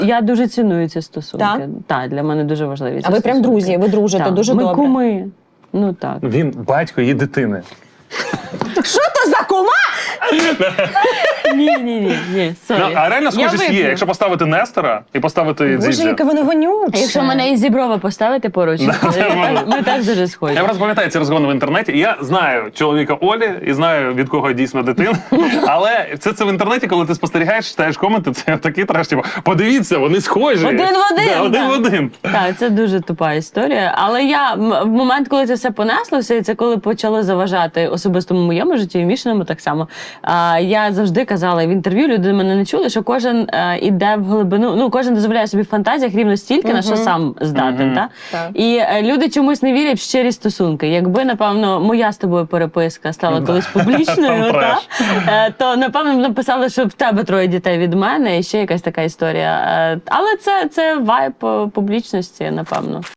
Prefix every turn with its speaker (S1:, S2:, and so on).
S1: Я дуже ціную ці стосунки.
S2: Так?
S1: Так, для мене дуже важливі ці
S2: А ви прям
S1: стосунки.
S2: друзі, ви дружите
S1: Так.
S2: дуже
S1: Ми
S2: добре.
S1: куми. Ну так.
S3: Він батько її дитини.
S2: Що то за кума?
S1: Ні,
S3: Ну,
S1: сорі.
S3: а реально
S1: Я
S3: схожість є.
S1: вип'ю.
S3: Якщо поставити Нестора і поставити
S2: Боже,
S3: Дзідзя.
S2: яке воно вонюче.
S1: Якщо мене і Зіброва поставити поруч, ми так дуже схожі.
S3: Я просто пам'ятаю ці розгони в інтернеті. І я знаю чоловіка Олі і знаю, від кого дійсно дитина. Але це в інтернеті, коли ти спостерігаєш, читаєш коменти, це такий треш. Типу, подивіться, вони схожі.
S1: Один в один,
S3: Да, один
S1: так.
S3: в один.
S1: Так, це дуже тупа історія. Але в момент, коли це все понеслося, і це коли почало заважати особистому моєму житті, і Мішиному так само, я завжди казала в інтерв'ю, люди мене не чули, що кожен іде в глибину, ну, кожен дозволяє собі в фантазіях рівно стільки, на що сам здатен. Та?
S2: Так.
S1: І люди чомусь не вірять в щирі стосунки. Якби, напевно, моя з тобою переписка стала колись публічною,
S3: Там
S1: то, напевно, написали, що в тебе 3 дітей від мене, і ще якась така історія. Але це вайб публічності, напевно.